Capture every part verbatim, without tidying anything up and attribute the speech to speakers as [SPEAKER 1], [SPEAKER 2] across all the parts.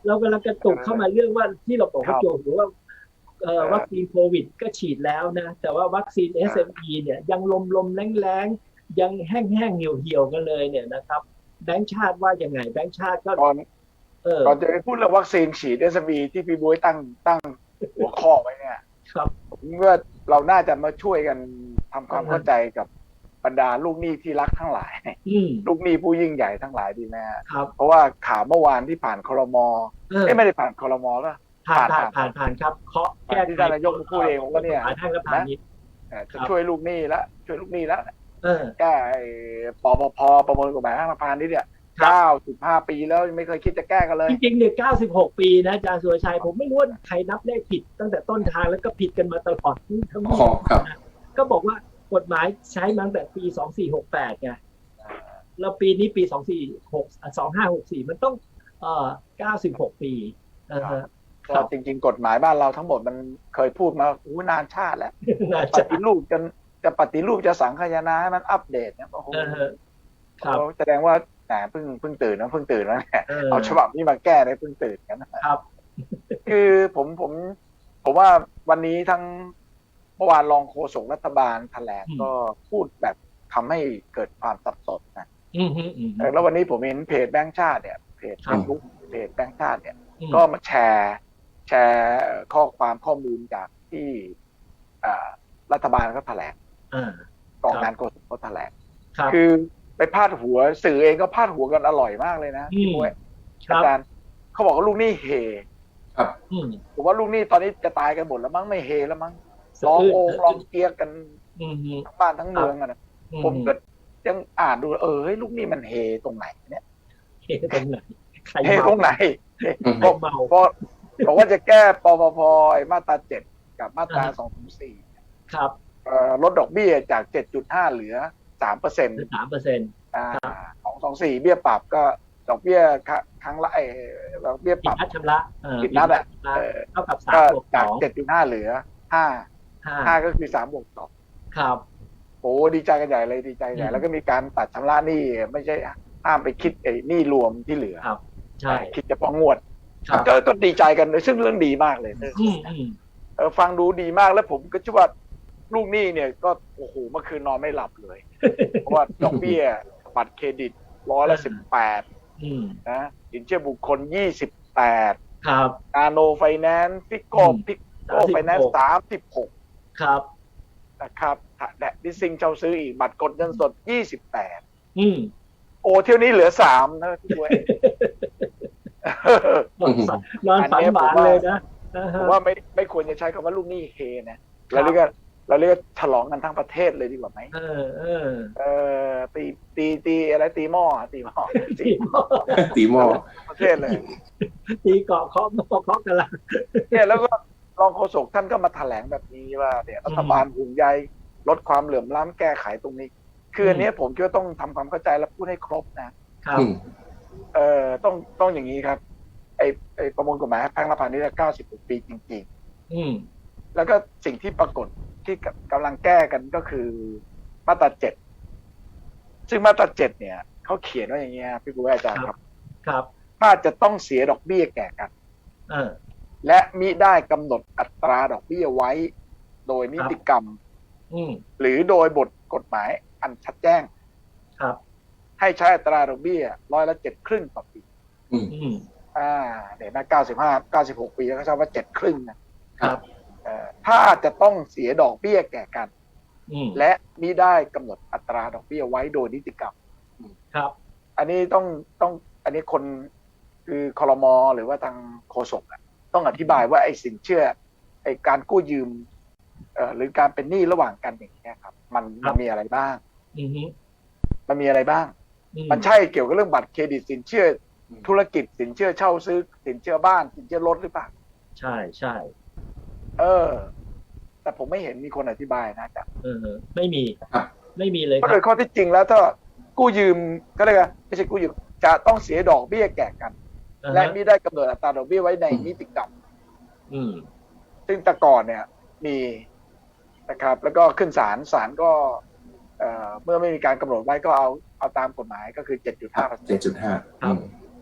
[SPEAKER 1] เรากำลังกระตุกเข้ามาเรื่องว่าที่เราบอกว่าโจทย์หรือว่าวัคซีนโควิดก็ฉีดแล้วนะแต่ว่าวัคซีน เอส เอ็ม อี เนี่ยยังลมลมแรงแรงยังแห้งแห้งเหี่ยวเหี่ยวกันเลยเนี่ยนะครับแบงก์ชาติว่ายังไงแบงก์ชาติก็
[SPEAKER 2] ก่อนก่อนจะไปพูดเรื่องวัคซีนฉีด เอส เอ็ม อี ที่พี่บ๊วยตั้งตั้งหัวข้อไว้เนี่ย
[SPEAKER 1] ครับ
[SPEAKER 2] ผมว่าเราน่าจะมาช่วยกันทำความเข้าใจกับบรรดาลูกหนี้ที่รักทั้งหลายลูกหนี้ผู้ยิ่งใหญ่ทั้งหลายดีไหมครับเพราะว่าข่าวเมื่อวานที่ผ่านครม.ไม่ได้ผ่านครม.ก็
[SPEAKER 1] ผ่านผ่านผ่านผ่านครับเคาะ
[SPEAKER 2] แก้ที่ท่านนายกพูดเองผมก็เนี่ย
[SPEAKER 1] นะ
[SPEAKER 2] จะช่วยลูกหนี้แล้วช่วยลูกหนี้แล้วแก้ปปพประมวลกฎหมายห้างพาณิชย์เนี่ยเก้าสิบห้าปีแล้วไม่เคยคิดจะแก้กันเลย
[SPEAKER 1] จริงๆเนี่ยเก้าสิบหกปีนะอาจารย์สุรชัยผมไม่รู้ว่าใครนับเลขผิดตั้งแต่ต้นทางแล้วก็ผิดกันมาตลอดทั้งหมดนะก็บอกว่ากฎหมายใช้มาตั้งแต่ปีสองสี่หกแปดไงแล้วปีนี้ปีสองสี่หกสองห้าหกสี่มันต้องเอ่อเก้าสิบหกปี
[SPEAKER 2] ก็จริงๆกฎหมายบ้านเราทั้งหมดมันเคยพูดมาอู้นานชาติแล้วปฏิรูปจนจะปฏิรูปจะสังคายนาให้มันอัปเดตเนี่ยโอ้โหแสดงว่าแหมเพิ่งเพิ่งตื่นนะเพิ่งตื่นแล้วเนี่ยเอาฉบับนี้มาแก้ได้เพิ่งตื่นกัน
[SPEAKER 1] นะครับ
[SPEAKER 2] คือผมผมผมว่าวันนี้ทั้งเมื่อวานรองโฆษกรัฐบาลแถลงก็พูดแบบทำให้เกิดความสับสนนะแล้ววันนี้ผมเห็นเพจแบงค์ชาติเนี่ยเพจเฟซบุ๊กเพจแบงค์ชาติเนี่ยก็มาแชร์แชร์ข้อความข้อมูลจากที่รัฐบาลเขาแถลงกองงานโฆษกเขาแถลงคือไปพาดหัวสื่อเองก็พาดหัวกันอร่อยมากเลยนะพี่บ๊วยอาจารย์เขาบอกว่าลูกหนี้เฮ
[SPEAKER 3] ครับ
[SPEAKER 2] ผมว่าลูกหนี้ตอนนี้จะตายกันหมดแล้วมั้งไม่เฮแล้วมั้งร้องโองร้องเกียร์กันทั้งบ้านทั้งเมืองอ่ะนะผมก็ยังอ่านดูเออลูกหนี้มันเฮตรงไหนเนี่ย
[SPEAKER 1] เฮตรงไหน
[SPEAKER 2] เฮตรงไหนบอกบอกว่าจะแก้ปปพมาตราเจ็ดกับมาตราสองถึงสี่
[SPEAKER 1] ครับ
[SPEAKER 2] ลดดอกเบี้ยจาก เจ็ดจุดห้า เหลือสามเปอร์เซ็นต์
[SPEAKER 1] สามเปอร์เซ็นต์
[SPEAKER 2] อ่าของสองสี่เบี้ยปรับก็ดอกเบี้ยครั้งละไอ้ดอกเบี้ยปรับ
[SPEAKER 1] ชำระ
[SPEAKER 2] ผิดนัดอ่ะ
[SPEAKER 1] เท่ากับสาม
[SPEAKER 2] ก็
[SPEAKER 1] บวก
[SPEAKER 2] จาก เจ็ดจุดห้า เหลือห้า ห้าก็คือสามบวกสอง
[SPEAKER 1] ครับ
[SPEAKER 2] โอ้ดีใจกันใหญ่เลยดีใจใหญ่แล้วก็มีการตัดชำระหนี้ไม่ใช่ห้ามไปคิดไอ้หนี้รวมที่เหลือ
[SPEAKER 1] ครับใช่
[SPEAKER 2] คิดเฉพาะงวดก็ก็ดีใจกันซึ่งเรื่องดีมากเลยเออฟังดูดีมากแล้วผมก็เชื่อว่าลูกหนี้เนี่ยก็โอ้โหเมื่อคืนนอนไม่หลับเลยเพราะว่าดอกเบี้ยบัตรเครดิตร้อยละสิบแปดนะสินเชื่อบุคคลยี่สิบแปด
[SPEAKER 1] ครับ
[SPEAKER 2] นาโนไฟแนนซ์พิกโก้พิกโก้ไฟแนนซ์สามสิบหก
[SPEAKER 1] ครับ
[SPEAKER 2] นะครับและดิซิงเช่าซื้ออีกบัตรกดเงินสดยี่สิบแปด
[SPEAKER 1] อืม
[SPEAKER 2] โอ้เที่ยวนี้เหลือสามนะพี่ด้วย
[SPEAKER 1] นอนฝันหวานเลยนะ
[SPEAKER 2] ผมว่าไม่ไม่ควรจะใช้คำว่าลูกหนี้เฮนะเราเรียกเราเรียกฉลองกันทั้งประเทศเลยดีกว่าไหม
[SPEAKER 1] เออเออ
[SPEAKER 2] เออตีตีตีอะไรตีหม้อตีหม้อ
[SPEAKER 1] ตีหม้อ
[SPEAKER 3] ตีหม้อ
[SPEAKER 2] ประเทศเลย
[SPEAKER 1] ตีเกาะเคาะหม้อเคาะกันละ
[SPEAKER 2] เนี่ยแล้วก็รองโฆษกท่านก็มาแถลงแบบนี้ว่าเนี่ยรัฐบาลห่วงใยลดความเหลื่อมล้ำแก้ไขตรงนี้คืออันนี้ผมคิดว่าต้องทำความเข้าใจและพูดให้ครบนะครับเอ่อต้องต้องอย่างนี้ครับไอ้ไอ้ประมวลกฎหมายแพ่งและพาณิชย์เก้าสิบหกปีจริงๆ
[SPEAKER 1] อืม
[SPEAKER 2] แล้วก็สิ่งที่ปรากฏที่กำลังแก้กันก็คือมาตราเจ็ดซึ่งมาตราเจ็ดเนี่ยเขาเขียนว่าอย่างเงี้ยพี่ผู้อาจารย์ครับ
[SPEAKER 1] ครับ
[SPEAKER 2] ถ้าจะต้องเสียดอกเบี้ยแก่กัน
[SPEAKER 1] เออ
[SPEAKER 2] และมิได้กำหนดอัตราดอกเบี้ยไว้โดยนิติกรรมหรือโดยบทกฎหมายอันชัดแจ้ง
[SPEAKER 1] ครับ
[SPEAKER 2] ให้ใช้อัตราดอกเบี้ยร้อยละเจ็ดครึ่งต่อปี
[SPEAKER 1] อืม
[SPEAKER 2] อ่าเนี่ยนะเก้าสิบห้าเก้าสิบหกปีเขาใช้ว่าเจ็ดครึ่งนะครับถ้าจะต้องเสียดอกเบี้ยแก่กันและมิได้กำหนดอัตราดอกเบี้ยไว้โดยนิติกรรม
[SPEAKER 1] ครับ
[SPEAKER 2] อันนี้ต้องต้องอันนี้คนคือครม.หรือว่าทางโฆษกต้องอธิบายว่าไอ้สินเชื่อไอ้การกู้ยืมเอ่อหรือการเป็นหนี้ระหว่างกันอย่างเงี้ยครับมันมันมีอะไรบ้างมันมีอะไรบ้างมันใช่เกี่ยวกับเรื่องบัตรเครดิตสินเชื่อธุรกิจสินเชื่อเช่าซื้อสินเชื่อบ้านสินเชื่อรถหรือเปล่า
[SPEAKER 1] ใช่ใช่
[SPEAKER 2] เออแต่ผมไม่เห็นมีคนอธิบายนะจ๊ะ
[SPEAKER 1] เออไม่มีไม่มีเลย
[SPEAKER 2] เพราะโดยข้อที่จริงแล้วถ้ากู้ยืมก็เลยว่าไม่ใช่กู้ยืมจะต้องเสียดอกเบี้ยแก่กันและมิได้กำหนดอัตราดอกเบี้ยไว้ในนิติกรรมซึ่งแต่ก่อนเนี่ยมีนะครับแล้วก็ขึ้นศาลศาลก็เอ่อเมื่อไม่มีการกำหนดไว้ก็เอาเอาตามกฎหมายก็คือ เจ็ดจุดห้าเปอร์เซ็นต์
[SPEAKER 3] เจ็ดจุดห้า
[SPEAKER 2] ครับ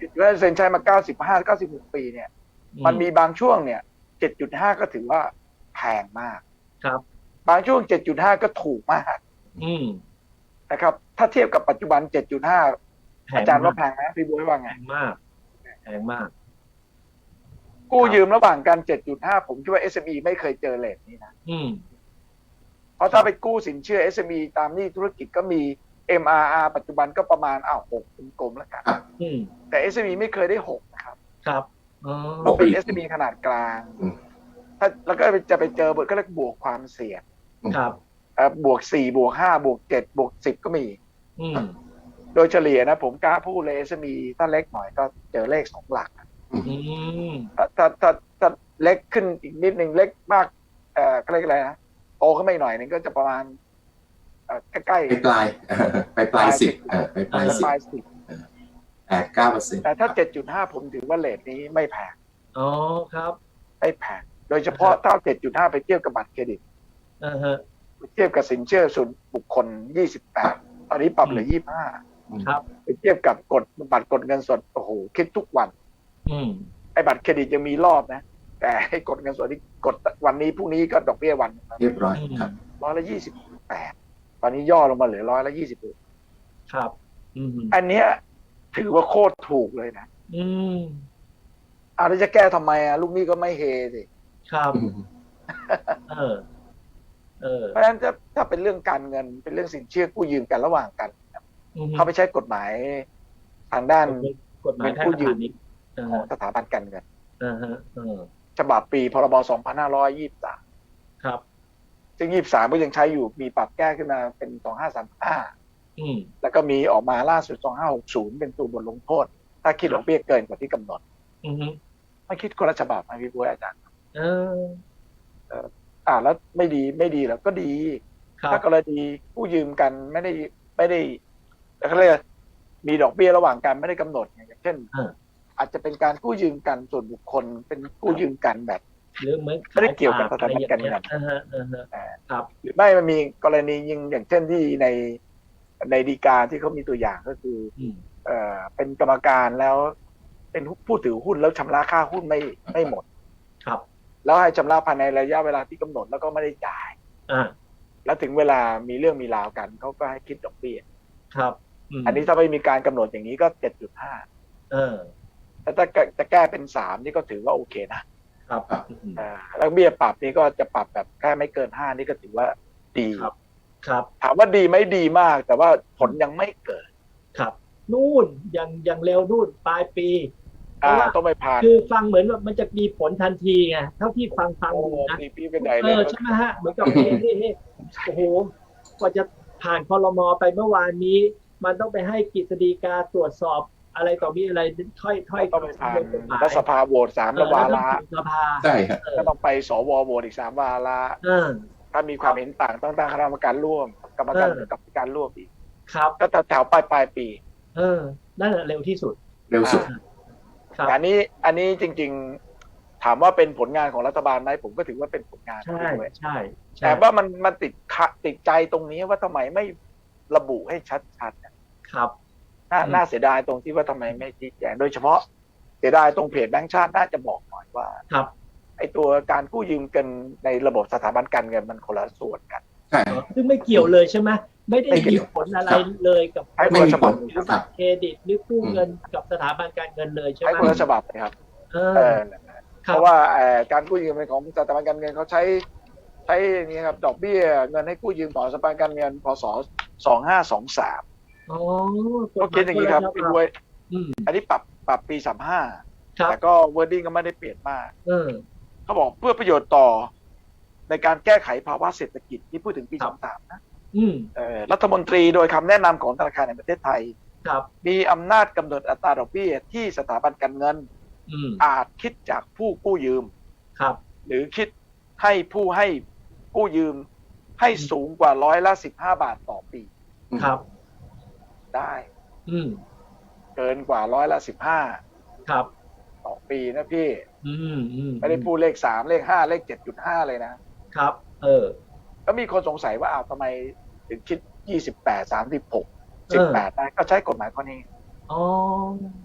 [SPEAKER 2] ว่าเซ็นใช้มาเก้าสิบห้า เก้าสิบหกปีเนี่ยมันมีบางช่วงเนี่ย เจ็ดจุดห้า ก็ถือว่าแพงมาก
[SPEAKER 1] ครับ
[SPEAKER 2] บางช่วง เจ็ดจุดห้า ก็ถูกมาก
[SPEAKER 1] อืม
[SPEAKER 2] นะครับถ้าเทียบกับปัจจุบัน เจ็ดจุดห้า อาจารย์ว่าแพงไหมพี่บ๊วยว่าไง
[SPEAKER 1] แพงมากแพงมาก
[SPEAKER 2] กู้ยืมระหว่างกัน เจ็ดจุดห้า ผมคิดว่า เอส เอ็ม อี ไม่เคยเจอเรทนี้นะ
[SPEAKER 1] อืม
[SPEAKER 2] เพราะถ้าไปกู้สินเชื่อ เอส เอ็ม อี ตามหนี้ธุรกิจก็มี เอ็ม อาร์ อาร์ ปัจจุบันก็ประมาณอ้าวหกกลมๆแล้วกันแต่ เอส เอ็ม อี ไม่เคยได้หกนะครับ
[SPEAKER 1] ครับ
[SPEAKER 2] เราเป็น เอส เอ็ม อี ขนาดกลางถ้าแล้วก็จะไปเจอบทก็เรียกบวกความเสี่ยง
[SPEAKER 1] ครับ
[SPEAKER 2] บวกสี่บวกห้าบวกเจ็ดบวกสิบก็มีโดยเฉลี่ยนะผมกล้าพูดเลย เอส เอ็ม อี ถ้าเล็กหน่อยก็เจอเลขสองหลักถ้าถ้าถ้าถ้าเล็กขึ้นอีกนิดหนึ่งเล็กมากเอ่อเขาเรียกอะไรนะโตขึ้นมาอีกหน่อยนึงก็จะประมาณใกล้ใกล้
[SPEAKER 3] ปลายปลายปลายสิบปลายปลายสิบแปดเก้าเปอร์เซ็นต์
[SPEAKER 2] แต่ถ้าเจ็ดจุดห้าผมถือว่าเรทนี้ไม่แพง
[SPEAKER 1] อ๋อครับ
[SPEAKER 2] ไม่แพงโดยเฉพาะถ้าเจ็ดจุดห้าไปเทียบกับบัตรเครดิต
[SPEAKER 1] อ่าฮะ
[SPEAKER 2] เทียบกับสินเชื่อส่วนบุคคลยี่สิบแปดตอนนี้ปรับเหลือยี่สิบห้า
[SPEAKER 1] ครับ
[SPEAKER 2] ไปเทียบกับกดบัตรกดเงินสดโอ้โหคิดทุกวัน
[SPEAKER 1] อืม
[SPEAKER 2] ไอ้บัตรเครดิตยังมีรอบนะแต่ให้กดเงินสดที่กดวันนี้พรุ่งนี้ก็ดอกเบี้ยวัน
[SPEAKER 3] เรียบร้อยครับ
[SPEAKER 2] ร้อยละยี่สิบแปดตอนนี้ย่อลงมาเหลือร้อยละยี่สิบ
[SPEAKER 1] ครับ
[SPEAKER 2] อันเนี้ยถือว่าโคตรถูกเลยนะ
[SPEAKER 1] อืม
[SPEAKER 2] อ่าแล้วจะแก้ทำไมอ่ะลูกหนี้ก็ไม่เฮสิ
[SPEAKER 1] ครับเออเออ
[SPEAKER 2] เพราะฉะนั้นถ้าถ้าเป็นเรื่องการเงินเป็นเรื่องสินเชื่อกู้ยืมกันระหว่างกันเขาไปใช้กฎหมายทางด้าน
[SPEAKER 1] กฎหมายกู้ยืม
[SPEAKER 2] ของสถาบันการเงิน
[SPEAKER 1] อ่าฮะ
[SPEAKER 2] ฉบับปีพรบสองพันห้าร้อยยี่สิบสาม
[SPEAKER 1] ครับ
[SPEAKER 2] ซึ่งยี่สิบสามก็ยังใช้อยู่มีปรับแก้ขึ้นมาเป็นสองห้าสามห้า
[SPEAKER 1] อืม
[SPEAKER 2] แล้วก็มีออกมาล่าสุดสองห้าหกศูนย์เป็นตัวบทลงโทษถ้าคิดดอกเบี้ยเกินกว่าที่กำหนด
[SPEAKER 1] อือฮึ
[SPEAKER 2] ไม่คิดคนละฉบับไหมพี่บ๊วยอาจารย์
[SPEAKER 1] เออ
[SPEAKER 2] เอออ่าแล้วไม่ดีไม่ดีแล้วก็ดีถ้ากรณีกู้ยืมกันไม่ได้ไม่ได้เขาเรียกมีดอกเบี้ยระหว่างกันไม่ได้กำหนดอย่างเช่นอาจจะเป็นการกู้ยืมกันส่วนบุคคลเป็นกู้ยืมกันแบบ
[SPEAKER 1] หรือเหมือน
[SPEAKER 2] ไม่ได้เกี่ยวกับสถาบันการเงิน
[SPEAKER 1] ครับ
[SPEAKER 2] หรือไม่มันมีกรณียิงอย่างเช่นที่ในในฎีกาที่เขามีตัวอย่างก็คือเอ่อเป็นกรรมการแล้วเป็นผู้ถือหุ้นแล้วชำระค่าหุ้นไม่ไม่หมด
[SPEAKER 1] ครับ
[SPEAKER 2] แล้วให้ชำระภายในระยะเวลาที่กำหนดแล้วก็ไม่ได้จ่าย
[SPEAKER 1] อ่า
[SPEAKER 2] แล้วถึงเวลามีเรื่องมีราวกันเขาก็ให้คิดดอกเบี้ย
[SPEAKER 1] ครับ
[SPEAKER 2] อันนี้ถ้าไม่มีการกำหนดอย่างนี้ก็ เจ็ดจุดห้า
[SPEAKER 1] เออ
[SPEAKER 2] แต่ถ้าจะแก้เป็นสามนี่ก็ถือว่าโอเคนะครับอ่าแล้วเบี้ยปรับนี่ก็จะปรับแบบแค่ไม่เกินห้านี่ก็ถือว่าดี
[SPEAKER 1] ครับครับ
[SPEAKER 2] ถามว่าดีไหมดีมากแต่ว่าผลยังไม่เกิด
[SPEAKER 1] ครับนู่นยังยังเร็วนู่นปลายปี
[SPEAKER 2] อ่าต้องไปผ่าน
[SPEAKER 1] คือฟังเหมือนว่ามันจะมีผลทันทีไงเท่าที่ฟังฟังดูนะเออใช่ไหมฮะเหมือนกับเฮ้ยโอ้โหกว่าจะผ่านครม.ไปเมื่อวานนี้มันต้องไปให้กฤษฎีกาตรวจสอบอะไรต่อมีอะไรค่อยๆ
[SPEAKER 2] ต้องไปผ่านรัฐสภาโหวตสามวาระ
[SPEAKER 3] ใช่ครับ
[SPEAKER 2] ก็ต้องไปสวโหวตอีกสามวาระถ้ามีความเห็นต่างต้องตั้งคณะกรรมการร่วมกรรมการกับการร่วมอีก
[SPEAKER 1] ครับ
[SPEAKER 2] ก็แถวปลายปลายปี
[SPEAKER 1] เออนั่นแหละเร็วที่สุด
[SPEAKER 3] เร็วสุด
[SPEAKER 2] อันนี้อันนี้จริงๆถามว่าเป็นผลงานของรัฐบาลไหมผมก็ถือว่าเป็นผลงาน
[SPEAKER 1] ใช่ใช่
[SPEAKER 2] แต่ว่ามันมันติดติดใจตรงนี้ว่าทำไมไม่ระบุให้ชัด
[SPEAKER 1] ๆครับ
[SPEAKER 2] น่าน่าเสียดายตรงที่ว่าทำไมไม่ชี้แจงโดยเฉพาะเสียดายตรงเพจแบงก์ชาติน่าจะบอกหน่อยว่า
[SPEAKER 1] ครับ
[SPEAKER 2] ไอ้ตัวการกู้ยืมกันในระบบสถาบันการเงินมันคนละส่วนกัน
[SPEAKER 3] ใช่
[SPEAKER 1] ซึ่งไม่เกี่ยวเลยใช่ไหมไม่ได้มีผลอะไรเลยกับ
[SPEAKER 2] ไม่มีผล
[SPEAKER 1] กับเครดิตหรือกู้เงินกับสถาบันการเงินเลยใช่ไหม
[SPEAKER 2] ใช้คนละฉบับเลยครับเออเพราะว่าการกู้ยืมของสถาบันการเงินเขาใช้ใช้นี่ครับดอกเบี้ยเงินให้กู้ยืมต่อสถาบันการเงินพศสองห้าสองสาม
[SPEAKER 1] อ๋อ
[SPEAKER 2] ก็คิดอย่างนี้ครับพี่บ๊วยอันนี้ปรับปรับปีสามห้าแต่ก็ wording ก็ไม่ได้เปลี่ยนมากเขาบอกเพื่อประโยชน์ต่อในการแก้ไขภาวะเศรษฐกิจที่พูดถึงปีสามสามนะรัฐมนตรีโดยคำแนะนำของธนาคารแห่งประเทศไทยมีอำนาจกำหนดอัตราดอกเบี้ยที่สถาบันการเงินอาจคิดจากผู้กู้ยืมหรือคิดให้ผู้ให้กู้ยืมให้สูงกว่าร้อยละสิบห้าบาทต่อปี
[SPEAKER 1] ครับ
[SPEAKER 2] ได้
[SPEAKER 1] อืม
[SPEAKER 2] เกินกว่าร้อยละสิบห้า
[SPEAKER 1] ครับ
[SPEAKER 2] ต่อปีนะพี่
[SPEAKER 1] อืมอืม
[SPEAKER 2] ไม่ได้พูดเลขสามเลขห้าเลขเจ็ดจุดห้าเลยนะครับ
[SPEAKER 1] เออ
[SPEAKER 2] ก็มีคนสงสัยว่าอ้าวทำไมถึงคิดยี่สิบแปด สามสิบหก สิบแปดได้ก็ใช้กฎหมายข้อนี้
[SPEAKER 1] อ๋อ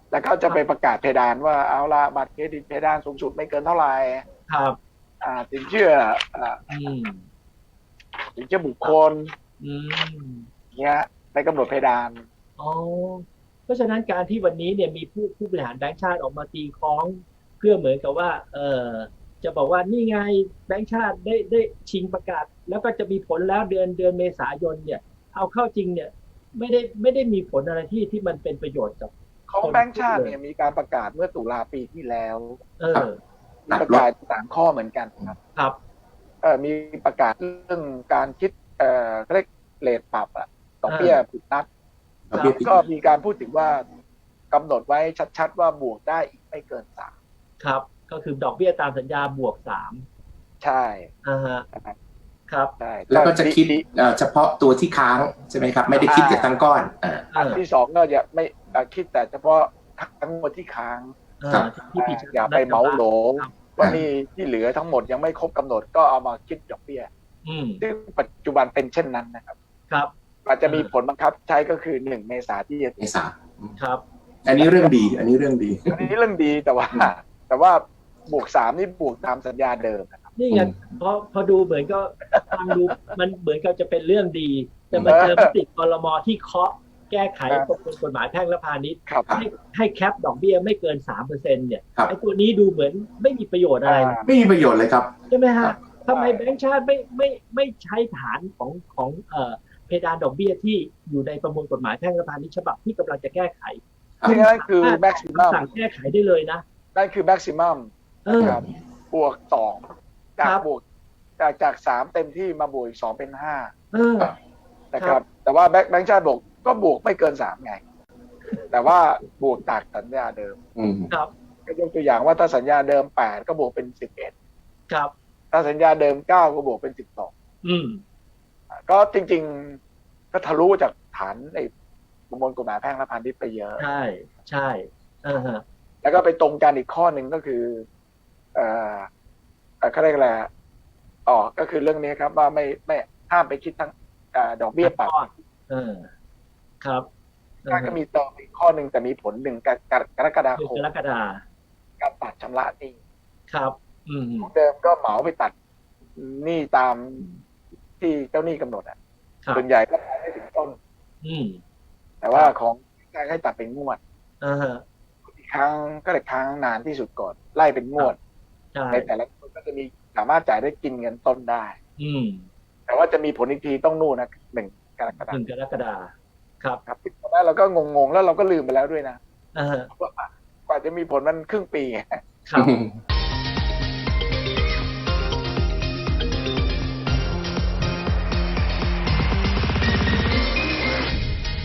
[SPEAKER 2] แล้วเขาจะไปประกาศเพดานว่าเอาละบัตรเครดิตเพดานสูงสุดไม่เกินเท่าไหร่
[SPEAKER 1] ครับ
[SPEAKER 2] อ่าสินเชื่ออ่า
[SPEAKER 1] อืม
[SPEAKER 2] สินเชื่อบุคคล
[SPEAKER 1] อืม
[SPEAKER 2] เนี้ยไปกำหนดเพดาน
[SPEAKER 1] อ๋อเพราะฉะนั้นการที่วันนี้เนี่ยมีผู้ผู้บริหารแบงก์ชาติออกมาตีคล้อง เพื่อเหมือนกับว่า เออจะบอกว่านี่ไงแบงก์ชาติได้ได้ชิงประกาศ แล้วก็จะมีผลแล้วเดือนเดือนเมษายนเนี่ย เอาเข้าจริงเนี่ย ไม่ได้ไม่ได้มีผลอะไรที่ที่มันเป็นประโยชน์กับ
[SPEAKER 2] ของแบงก์ชาติเนี่ยมีการประกาศเมื่อตุลาปีที่แล้ว
[SPEAKER 1] เออ
[SPEAKER 2] มีประกาศสามข้อเหมือนกันครับ
[SPEAKER 1] ครับ
[SPEAKER 2] เอ่อมีประกาศเรื่องการคิดเอ่อเขาเรียกเรทปรับอะดอกเบี้ยผิดนัด
[SPEAKER 3] ดอกเบี้ยผิด
[SPEAKER 2] ก็มีการพูดถึงว่ากำหนดไว้ชัดๆว่าบวกได้อีกไม่เกินสาม
[SPEAKER 1] ครับ ก็คือดอกเบี้ยตามสัญญาบวกสาม
[SPEAKER 2] ใช่
[SPEAKER 1] อ่าฮะ ครับ
[SPEAKER 2] ใช่
[SPEAKER 3] แล้วก็จะคิด
[SPEAKER 2] ดี
[SPEAKER 3] เอ่อเฉพาะตัวที่ค้างใช่ไหมครับ ไม่ได้คิดจากทั้งก้อนอ่า
[SPEAKER 2] อันที่สองก็อย่าไม่เอ่อคิดแต่เฉพาะทั้งหมดที่ค้าง
[SPEAKER 3] ครับ
[SPEAKER 1] ที่ผิด
[SPEAKER 2] อย่าไปเหมาโหล
[SPEAKER 1] ครับ
[SPEAKER 2] ว่านี่ที่เหลือทั้งหมดยังไม่ครบกำหนดก็เอามาคิดดอกเบี้ย
[SPEAKER 1] อืม
[SPEAKER 2] ซึ่งปัจจุบันเป็นเช่นนั้นนะครับ
[SPEAKER 1] ครับ
[SPEAKER 2] อาจจะมีผลบังคับใช้ก็คือหนึ่งเมษาที่จะ
[SPEAKER 3] เมษา
[SPEAKER 1] ครับ
[SPEAKER 3] อันนี้เรื่องดี อันนี้เรื่องดี
[SPEAKER 2] อันนี้เรื่องดีแต่ว่า แต่ว่าบวกสามนี่บวกตามสัญญาเดิมนะครับ
[SPEAKER 1] นี่ไง
[SPEAKER 3] อืม
[SPEAKER 1] พอพอดูเหมือนก็ฟังดูมันเหมือนกับจะเป็นเรื่องดี แต่มาเจอมติครมที่เคาะแก้ไข
[SPEAKER 2] ครับ
[SPEAKER 1] ประมวลกฎหมายแพ่งและพาณิชย์
[SPEAKER 2] ครับ
[SPEAKER 1] ให้ให้แคปดอกเบี้ยไม่เกินสามเปอร์เซ็นต์เนี่ย
[SPEAKER 3] ครับ
[SPEAKER 1] ไอ้ตัวนี้ดูเหมือนไม่มีประโยชน์อะไรเลย
[SPEAKER 3] ไม่มีประโยชน์เลยครับ
[SPEAKER 1] ใช่ไหม
[SPEAKER 3] ครั
[SPEAKER 1] ฮะ
[SPEAKER 3] บ
[SPEAKER 1] ทำไมแบงก์ชาติไม่ไม่ไม่ใช้ฐานของของเอ่อเพดานดอกเบี้ยที่อยู่ในประมวลกฎหมายแพ่งและพาณิชย์ฉบับที่กำลังจะแก้ไข
[SPEAKER 2] ซึ่งนั่นคือแม็กซิมัม
[SPEAKER 1] สั่งแก้ไขได้เลยนะ
[SPEAKER 2] นั่นคือแม็กซิมัม
[SPEAKER 1] เออ
[SPEAKER 2] ครับบวกสองจาก
[SPEAKER 1] ครับ
[SPEAKER 2] บวกจากจากสามเต็มที่มาบวกอีกสองเป็นห้า
[SPEAKER 1] เออ
[SPEAKER 2] นะครับ แต่ว่าแบงค์แบงค์ชาติบอกก็บวกไม่เกินสามไง แต่ว่าบวกจากสัญญาเดิม
[SPEAKER 3] อืม
[SPEAKER 1] ครับ
[SPEAKER 2] ก็ยกตัวอย่างว่าถ้าสัญญาเดิมแปดก็บวกเป็นสิบเอ็ด
[SPEAKER 1] ครับ
[SPEAKER 2] ถ้าสัญญาเดิมเก้าก็บวกเป็นสิบสอง
[SPEAKER 1] อืม
[SPEAKER 2] ก็จริงๆก็ทะลุจากฐานในประมวลกฎหมายแพ่งและพาณิชย์ไปเยอะ
[SPEAKER 1] ใช่ใช่เออฮะ
[SPEAKER 2] แล้วก็ไปตรงกันอีกข้อหนึ่งก็คือ เอ่อเอ่อเขาเรียกอะไรอ๋อก็คือเรื่องนี้ครับว่าไม่ไม่ห้ามไปคิดทั้งเอ่อดอกเบี้ยปรับ
[SPEAKER 1] เออ ครับเออ
[SPEAKER 2] ก็
[SPEAKER 1] ฮะ
[SPEAKER 2] มีเติมอีกข้อหนึ่งแต่มีผลหนึ่งกรกรกฎา
[SPEAKER 1] คือ
[SPEAKER 2] คม
[SPEAKER 1] กรกฎา
[SPEAKER 2] การตัดชำระหนี้
[SPEAKER 1] ครับ อืม
[SPEAKER 2] เดิมก็เหมาไปตัดหนี้ตามที่เจ้าหนี้กำหนดอ่ะ
[SPEAKER 1] ครับ
[SPEAKER 2] ส่วนใหญ่ก็ไม่ถึงต้น
[SPEAKER 1] อืม
[SPEAKER 2] แต่ว่าของการให้ตัดเป็นงวด
[SPEAKER 1] อ่าฮะ
[SPEAKER 2] อีกครั้งก็เลยค้างนานที่สุดก่อน ไล่เป็นงวด
[SPEAKER 1] ใช่
[SPEAKER 2] ในแต่ละคนก็จะมีสามารถจ่ายได้กินเงินต้นได้
[SPEAKER 1] อืม
[SPEAKER 2] แต่ว่าจะมีผลอีกทีต้องนู่นนะหนึ่งกรกฎา
[SPEAKER 1] ห
[SPEAKER 2] ค
[SPEAKER 1] นึ่
[SPEAKER 2] ม
[SPEAKER 1] งกรกฎาครับ
[SPEAKER 2] ครับตอนนั้นเราก็งงๆแล้วเราก็ลืมไปแล้วด้วยนะ
[SPEAKER 1] อ่าฮะ
[SPEAKER 2] ว่ากว่าจะมีผลมันครึ่งปี
[SPEAKER 1] ครับ
[SPEAKER 3] อืม